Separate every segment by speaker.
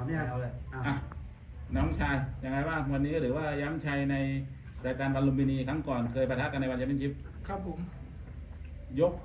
Speaker 1: เนี่ยเลย
Speaker 2: น้องชายยังไงบ้างวันนี้หรือว่าย้ำชัยในรายการวันลุมพินีครั้งก่อนเคยปะทะกันในวันแชมเปี้ยนชิพ
Speaker 3: ครับผม
Speaker 2: ยก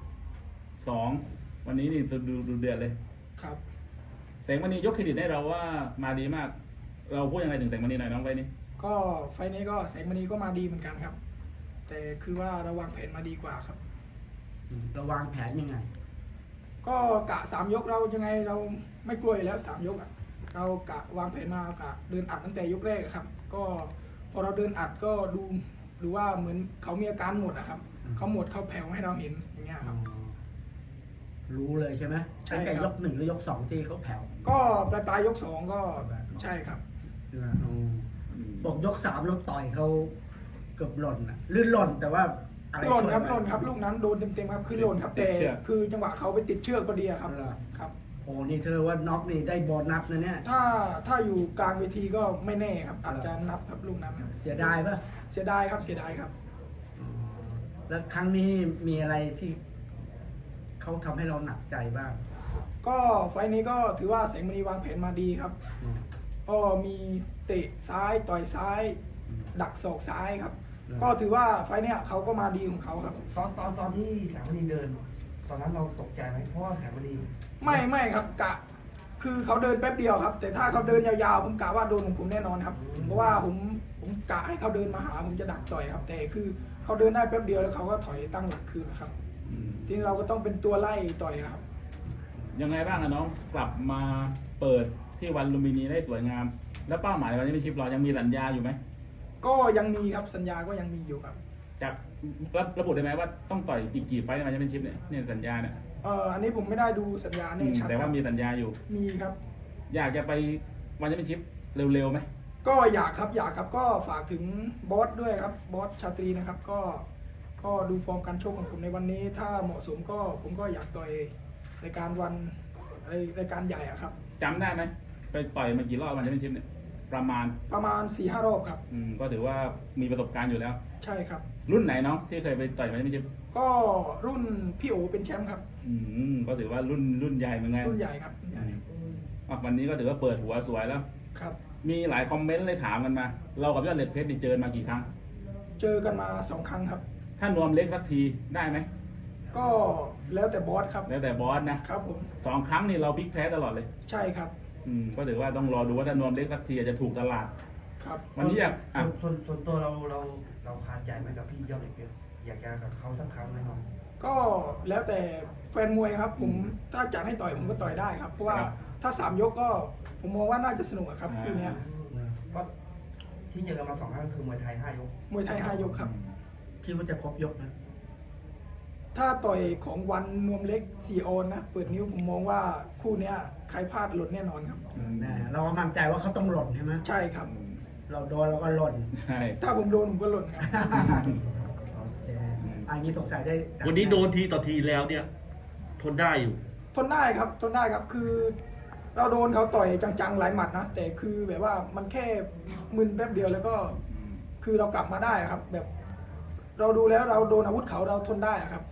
Speaker 2: 2วันนี้นี่ดูเดือดเลย
Speaker 3: ครับ
Speaker 2: แสงมณียกเครดิตให้เราว่ามาดีมากเราพูดยังไงถึงแสงมณีหน่อยน้องไว้นี่
Speaker 3: ก็ไฟนี้ก็แสงมณีก็มาดีเหมือนกันครับแต่คือว่าเราวางแผนมาดีกว่าครับ
Speaker 1: เราวางแผนยังไง
Speaker 3: ก็กะ3 ยกเรายังไงเราไม่กลัวอยู่แล้ว3 ยกเรากะวางแผนมากะเดินอัดตั้งแต่ยกแรกครับก็พอเราเดินอัดก็ดูว่าเหมือนเขามีอาการหมดครับเขาหมดเขาแผ่วให้เราเห็นอย่างเงี้ยครับ
Speaker 1: รู้เลยใช่ไหมใช่แต่ยก1หรือยก2ที่เขาแผ่ว
Speaker 3: ก็ปลายยก2ก็ใช่ครับ
Speaker 1: บอกยก3แล้วต่อยเขาเกือบหล่นลื่นหล่นแต่ว่า
Speaker 3: หล่นครับลูกนั้นโดนเต็มๆครับคือหล่นครับแต่คือจังหวะเขาไปติดเชือกพอดีครับครับ
Speaker 1: โอ้นี่เธอว่าน็อกนี่ได้โบนัสนะเนี่ย
Speaker 3: ถ้าอยู่กลางเวทีก็ไม่แน่ครับอาจจะนับครับลูกนั้น
Speaker 1: เสียดายป่ะ
Speaker 3: เสียดายครับเสียดายครับ
Speaker 1: แล้วครั้งนี้มีอะไรที่เขาทำให้เราหนักใจบ้าง
Speaker 3: ก็ไฟนี้ก็ถือว่าแสงมณีวางแผนมาดีครับก็มีเตะซ้ายต่อยซ้ายดักศอกซ้ายครับก็ถือว่าไฟเนี้ยเขาก็มาดีของเขาครับ
Speaker 4: ตอนที่แสงมณีเดินตอนนั้นเราตกใจไหมเพราะว่าแสงมณี
Speaker 3: ไม่ครับกะคือเขาเดินแป๊บเดียวครับแต่ถ้าเขาเดินยาวๆผมกะว่าโดนของผมแน่นอนครับเพราะว่าผมกะให้เขาเดินมาหาผมจะดักต่อยครับแต่คือเขาเดินได้แป๊บเดียวแล้วเขาก็ถอยตั้งหลักคืนนะครับทีนี้เราก็ต้องเป็นตัวไล่ต่อยครับ
Speaker 2: ยังไงบ้างน้องกลับมาเปิดที่วันลุมพินีได้สวยงามแล้วเป้าหมายวันนี้เป็นชิปเรายังมีสัญญาอยู่ไหม
Speaker 3: ก็ยังมีครับสัญญาก็ยังมีอยู่ครับ
Speaker 2: จากระบุได้ไหมว่าต้องต่อยอีกกี่ไฟต์ในวันแชมเปี้ยนชิพเนี่ยสัญญาเนี่ย
Speaker 3: อันนี้ผมไม่ได้ดูสัญญาเนี่ยชัด
Speaker 2: แต่ว่ามีสัญญาอยู่
Speaker 3: มีครับ
Speaker 2: อยากจะไปวันแชมเปี้ยนชิพเร็วๆไหม
Speaker 3: ก็อยากครับก็ฝากถึงบอสด้วยครับบอสชาตรีนะครับก็ดูฟอร์มการชกของผมในวันนี้ถ้าเหมาะสมก็ผมก็อยากต่อยรายการรายการใหญ่ครับ
Speaker 2: จำได้ไหมไปต่อยมากี่รอบวันแชมเปี้ยนชิพเนี่ยประมาณ
Speaker 3: 4-5 รอบครับ
Speaker 2: ก็ถือว่ามีประสบการณ์อยู่แล้ว
Speaker 3: ใช่ครับ
Speaker 2: รุ่นไหนน้องที่เคยไปต่อยวันแชมเปี้ยนชิพ
Speaker 3: ก็รุ่นพี่โอเป็นแชมป์ครับ
Speaker 2: ก็ถือว่ารุ่นใหญ่เหมือนกัน
Speaker 3: รุ่นใหญ่ครับใหญ่
Speaker 2: วันนี้ก็ถือว่าเปิดหัวสวยแล้ว
Speaker 3: ครับ
Speaker 2: มีหลายคอมเมนต์เลยถามกันมาเรากับยอดเหล็กเพชรเจอมากี่ครั้ง
Speaker 3: เจอกันมา2 ครั้งครับ
Speaker 2: ถ้านวมเล็กสักทีได้ไหม
Speaker 3: ก็แล้วแต่บอสครับ
Speaker 2: แล้วแต่บอสนะครับ
Speaker 3: ผม
Speaker 2: 2 ครั้งนี่เราพลิกแพ้ตลอดเลย
Speaker 3: ใช่ครับ
Speaker 2: ก็ถือว่าต้องรอดูว่าถ้านวมเล็กสักทีจะถูกตลาด
Speaker 3: ครับ
Speaker 2: วันนี้
Speaker 4: ส่วนตัวเราคาใจไหมกับพี่ยอดเหล็กเพชรอยากจะกับเขาสักครั้งไหมน้อง
Speaker 3: ก็แล้วแต่แฟนมวยครับผมถ้าจัดให้ต่อยผมก็ต่อยได้ครับเพราะว่าถ้า3 ยกก็ผมมองว่าน่าจะสนุกครับคู่นี้
Speaker 4: ก็ที่เจอกันมา2 ครั้งคือมวยไทย5 ยก
Speaker 3: มวยไทย5 ยกครับ
Speaker 1: คิดว่าจะครบยกนะ
Speaker 3: ถ้าต่อยของวันนวมเล็ก4 ออนนะเปิดนิ้วผมมองว่าคู่นี้ใครพลาดหล่นแน่นอนครับ
Speaker 1: เรามั่นใจว่าเขาต้องหล่นใช่ไหม
Speaker 3: ใช่ครับ
Speaker 1: เราโดนเราก็หล่น
Speaker 3: ถ้าผมโดนผมก็หล่นครับ
Speaker 1: โอเคอันนี้สงสัยได้
Speaker 5: วันนี้โดนทีต่อทีแล้วเนี่ยทนได้อยู่
Speaker 3: ทนได้ครับคือเราโดนเขาต่อยจังๆหลายหมัดนะแต่คือแบบว่ามันแค่มึนแป๊บเดียวแล้วก็คือเรากลับมาได้ครับแบบเราดูแล้วเราโดนอาวุธเขาเราทนได้ครับ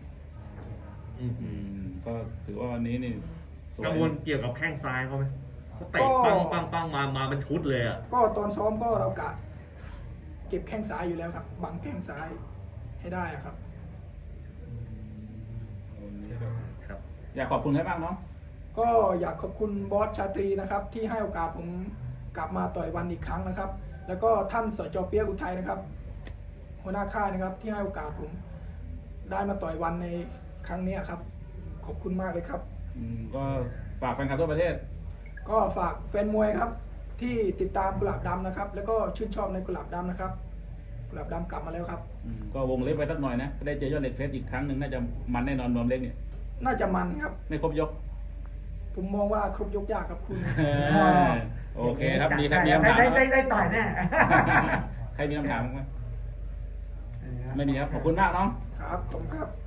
Speaker 2: ก็ถือว่าวันนี้นี่
Speaker 5: กังวลเกี่ยวกับแข้งซ้ายเขาไหมเขาเตะปังมาเป็นชุดเลยอ่ะ
Speaker 3: ก็ตอนซ้อมก็เรากะเก็บแข้งซ้ายอยู่แล้วครับบังแข้งซ้ายให้ได้ครับ
Speaker 2: อยากขอบคุณใครบ้างน้อง
Speaker 3: ก็อยากขอบคุณบอสชาตรีนะครับที่ให้โอกาสผมกลับมาต่อยวันอีกครั้งนะครับแล้วก็ท่านสจ.เปียกอุทัยนะครับหัวหน้าค่ายนะครับที่ให้โอกาสผมได้มาต่อยวันในครั้งนี้ครับขอบคุณมากเลยครับ
Speaker 2: ก็ฝากแฟนคลับทั่วประเทศ
Speaker 3: ก็ฝากแฟนมวยครับที่ติดตามกุหลาบดำนะครับแล้วก็ชื่นชอบในกุหลาบดำนะครับกุหลาบดำกลับมาแล้วครับ
Speaker 2: ก็วงเล็บไปสักหน่อยนะได้เจอยอดเหล็กเพชรอีกครั้งหนึ่งน่าจะมันแน่นอนนวมเล็กเนี่ย
Speaker 3: น่าจะมันครับ
Speaker 2: ไม่ครบยก
Speaker 3: ผมมองว่าครบยกยากครับคุณ
Speaker 2: โอเคครับมีใครมีคำถาม
Speaker 1: ได้ต่อยแน่
Speaker 2: ใครมีคำถามไหมไม่มีครับขอบคุณมากน้อง
Speaker 3: ครับผมครับ